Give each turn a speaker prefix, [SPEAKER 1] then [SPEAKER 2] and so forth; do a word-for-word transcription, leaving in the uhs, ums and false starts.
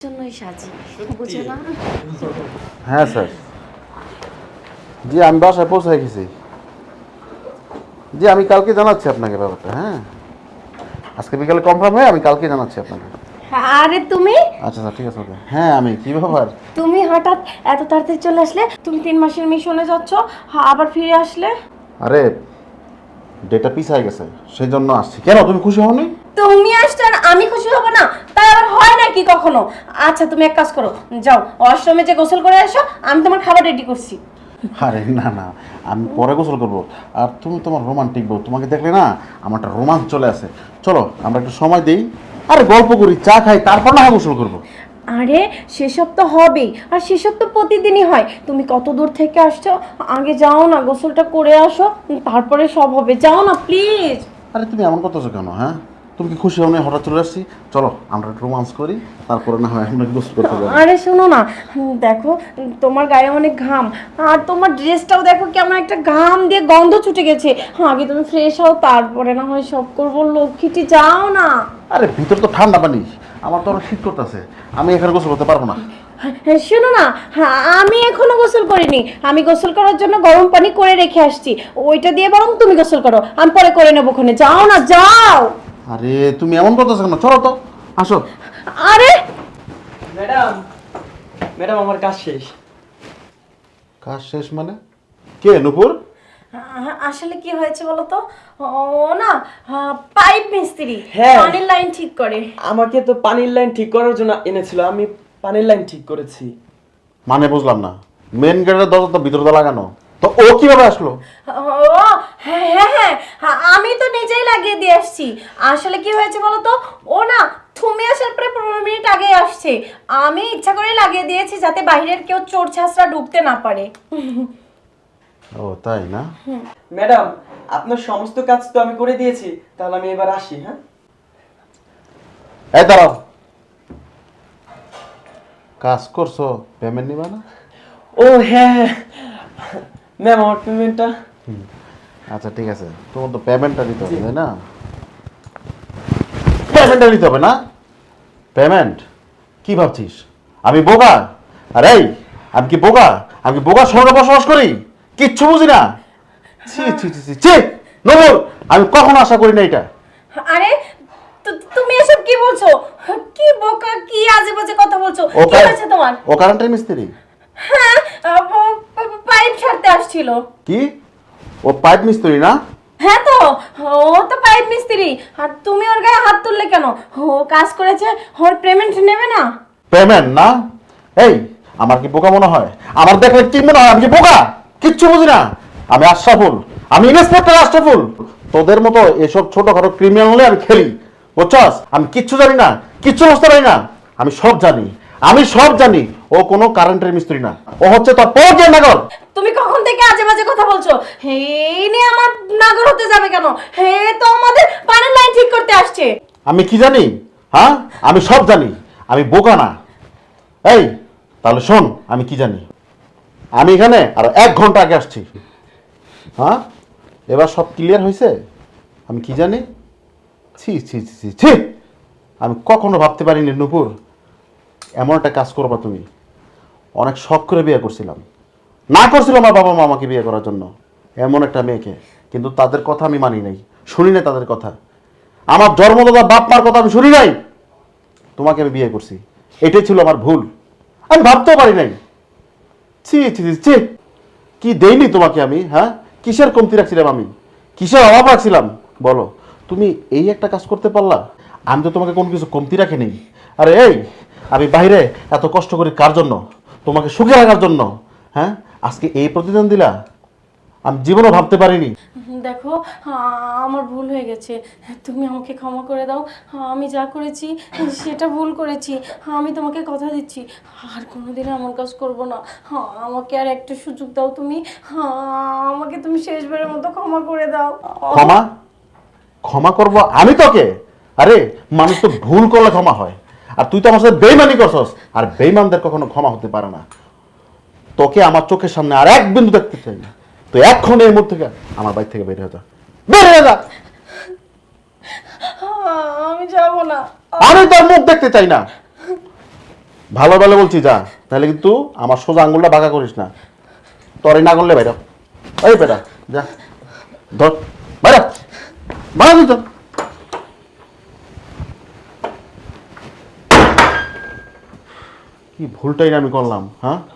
[SPEAKER 1] জন্যই সাজি বুঝে না।
[SPEAKER 2] হ্যাঁ স্যার, জি আমি বাসায় পৌঁছে গেছি। জি আমি কালকে জানাচ্ছি আপনাকে ব্যাপারটা। হ্যাঁ আজকে বিকালে কনফার্ম হয়ে আমি কালকে জানাচ্ছি আপনাকে।
[SPEAKER 1] আরে তুমি
[SPEAKER 2] আচ্ছা স্যার ঠিক আছে ওকে। হ্যাঁ আমি কি ব্যাপার?
[SPEAKER 1] তুমি হঠাৎ এত তাড়াতাড়ি চলে আসলে? তুমি তিন মাসের মিশনে যাচ্ছ, হ্যাঁ, আবার ফিরে আসলে?
[SPEAKER 2] আরে ডেটা পিছায় গেছে সেই জন্য আসছি। কেন তুমি খুশি হওনি?
[SPEAKER 1] তুমি আসছো আর আমি খুশি হব না? তাই আবার হয় নাকি কখনো? আচ্ছা তুমি এক কাজ করো, যাও ওয়াশরুমে যে গোসল করে আসো, আমি তোমার খাবার রেডি করছি।
[SPEAKER 2] আরে না না, আমি পরে গোসল করবো। আর তুমি তোমার রোমান্টিক বউ, তোমাকে দেখলে না আমার একটা রোমান্স চলে আসে। চলো আমরা একটু সময় দিই, আরে গল্প করি, চা খাই, তারপর না হয় গোসল করবো।
[SPEAKER 1] আরে সেসব তো হবেই, আর সেসব তো প্রতিদিনই হয়। তুমি কত দূর থেকে আসছো, আগে যাও না গোসলটা করে আসো, তারপরে সব হবে। যাও না প্লিজ।
[SPEAKER 2] আরে তুমি এমন করতেছো কেন? হ্যাঁ তুমি কি খুশি হও না হঠাৎ চলে আসছি? চলো আমরা একটু রোমান্স করি, তারপরে না হয় আমরা গোসল করতে যাবো।
[SPEAKER 1] আরে শোনো না, হুম, দেখো তোমার গায়ে অনেক ঘাম, আর তোমার ড্রেসটাও দেখো কেমন একটা ঘাম দিয়ে গন্ধ ছুটে গেছে। আগে তুমি ফ্রেশ হও, তারপরে না হয় সব করবো। লক্ষ্মীটি যাও না।
[SPEAKER 2] আরে ভিতর তো ঠান্ডা পানি, আমার তো অনেক শীত করতেছে, আমি এখানে গোসল করতে পারবো না।
[SPEAKER 1] হ্যাঁ, শোনো না, হ্যাঁ, আমি এখনো গোসল করিনি। আমি গোসল করার জন্য গরম পানি করে রেখে আসছি, ওইটা দিয়ে বরং তুমি গোসল করো, আমি পরে করে নেবো। ওখানে যাও না, যাও।
[SPEAKER 2] আরে তুমি এমন করতেছো কেন? চলো তো, আসো।
[SPEAKER 1] আরে
[SPEAKER 3] ম্যাডাম ম্যাডাম আমার কাজ শেষ।
[SPEAKER 2] কাজ শেষ মানে? কে নূপুর?
[SPEAKER 1] আ- আসলে কি হয়েছে বলো তো, ও না পাইপ মিস্ত্রি,
[SPEAKER 3] হ্যাঁ।
[SPEAKER 1] পানির লাইন ঠিক করে।
[SPEAKER 3] আমাকে তো পানির লাইন ঠিক করার জন্য এনেছিল, আমি পানির লাইন ঠিক করেছি।
[SPEAKER 2] মানে বুঝলাম না, মেন গেটের দরজা তো ভিতরে তো লাগানো, তো ও কিভাবে আসলো?
[SPEAKER 1] ও হ্যাঁ হ্যাঁ হ্যাঁ, হ্যাঁ, আমি তো নিজেই লাগিয়ে দিয়ে আসছি। আসলে কি হয়েছে বলো তো, ও না তুমি আসার পরে পনেরো মিনিট আগে আসছে। আমি ইচ্ছা করে লাগিয়ে দিয়েছি যাতে বাইরের কেউ চোর ছাঁচরা ঢুকতে না পারে।
[SPEAKER 2] ও তাই না?
[SPEAKER 3] ম্যাডাম আপনার সমস্ত কাজ তো আমি করে দিয়েছি, তাহলে আমি এবার আসি। হ্যাঁ
[SPEAKER 2] এই দাঁড়াও, কাজ করছো পেমেন্ট নিবা না?
[SPEAKER 3] ও হ্যাঁ হ্যাঁ ম্যাম আমার পেমেন্টটা।
[SPEAKER 2] আচ্ছা ঠিক আছে, তোমার তো পেমেন্টটা দিতে হবে তাই না? পেমেন্টটা দিতে হবে না? পেমেন্ট কি ভাবছিস আমি বোকা? আরে এই, আমি কি বোকা? আমি কি বোকা শহরে বসবাস করি, কিচ্ছু বুঝি না? ছি ছি ছি ছি ছি নবুল, আমি কখনো আশা করি না এটা।
[SPEAKER 1] আরে তু- তুমি এসব কি বলছো? কি বোকা, কি আজে বাজে কথা বলছো?
[SPEAKER 2] ও
[SPEAKER 1] কি হয়েছে তোমার?
[SPEAKER 2] ও কারেন্টের মিস্ত্রি?
[SPEAKER 1] হ্যাঁ, আহ, ও পা- পাইপ ছাড়তে আসছিল।
[SPEAKER 2] কি ও পাইপ মিস্ত্রি না?
[SPEAKER 1] হ্যাঁ তো, ও তো পাইপ মিস্ত্রি। আর তুমি ওর গায়ে হাত তুললে কেন? ও কাজ করেছে, ওর পেমেন্ট নেবে না?
[SPEAKER 2] পেমেন্ট না? এই আমার কি বোকা মনে হয়? আমার দেখলে কি মনে হয় আমি কি বোকা? কিচ্ছু বুঝি না। আমি আশরাফুল, আমি ইন্সপেক্টর আশরাফুল। তোদের মতো এসব ছোটখাটো ক্রিমিনাল হলে আমি খেলি, বুঝছস? আমি কিচ্ছু জানি না, কিচ্ছু বুঝতে পারি না। আমি সব জানি, আমি সব জানি। ও কোনো কারেন্টের মিস্ত্রি না, ও হচ্ছে তোর পর্যায় নাগর।
[SPEAKER 1] তুমি কখন থেকে আজে বাজে কথা বলছো? হে নিয়ে আমার নাগর হতে যাবে কেন? হে তো আমাদের পানির লাইন ঠিক করতে আসছে।
[SPEAKER 2] আমি কি জানি? হ্যাঁ আমি সব জানি, আমি বোকা না। এই তাহলে শোন, আমি কি জানি। আমি এখানে আর এক ঘন্টা আগে আসছি। হ্যাঁ এবার সব ক্লিয়ার হয়েছে? আমি কি জানি? ছি ছি ছি ছি ছি, আমি কখনো ভাবতে পারিনি নূপুর এমন একটা কাজ করবা তুমি। অনেক শখ করে বিয়ে করছিলাম, না করছিল আমার বাবা মা আমাকে বিয়ে করার জন্য এমন একটা মেয়েকে, কিন্তু তাদের কথা আমি মানি নাই, শুনি নাই তাদের কথা। আমার জন্মদাতা বাপ মার কথা আমি শুনি নাই, তোমাকে আমি বিয়ে করছি। এটাই ছিল আমার ভুল, আমি ভাবতেও পারি নাই। ছি ছি ছি ছি, কি দেইনি তোমাকে আমি? হ্যাঁ কিসের কমতি রাখছিলাম আমি, কিসের অভাব রাখছিলাম বলো? তুমি এই একটা কাজ করতে পারলা, আমি তো তোমাকে কোনো কিছু কমতি রাখি নেই। আরে এই আমি বাইরে এত কষ্ট করি কার জন্য? তোমাকে সুখে রাখার জন্য। হ্যাঁ আজকে এই প্রতিদান দিলা, আমি জীবনও ভাবতে পারিনি।
[SPEAKER 1] দেখো, আমার ভুল হয়ে গেছে, তুমি আমাকে ক্ষমা করে দাও। আমি যা করেছি সেটা ভুল করেছি। আমি তোমাকে কথা দিচ্ছি আর কোনোদিন এমন কাজ করব না। আমাকে আর একটা সুযোগ দাও তুমি, আমাকে তুমি শেষবারের মতো ক্ষমা করে দাও।
[SPEAKER 2] ক্ষমা? ক্ষমা করব আমি তোকে? আরে মানুষ তো ভুল করলে ক্ষমা হয়, আর তুই তো আমার সাথে বেইমানি করছস, আর বেইমানদের কখনো ক্ষমা হতে পারে না। তোকে আমার চোখের সামনে আর এক বিন্দু দেখতে চাই না। তো এখন এই মুহূর্তে থেকে আমার বাড়ি থেকে বের হয়ে যা, বের হয়ে যা।
[SPEAKER 1] আমি যাব না।
[SPEAKER 2] আমি তোর মুখ দেখতে চাই না। ভালো ভালো বলছি যা, তাহলে কিন্তু আমার সোজা আঙুলটা বাঁকা করিস না। তোরই না করলে বাইরা, এই বেটা যা, ধর বাইরা, বাইরা তুই তো। কি ভুলটাই না আমি করলাম, হ্যাঁ?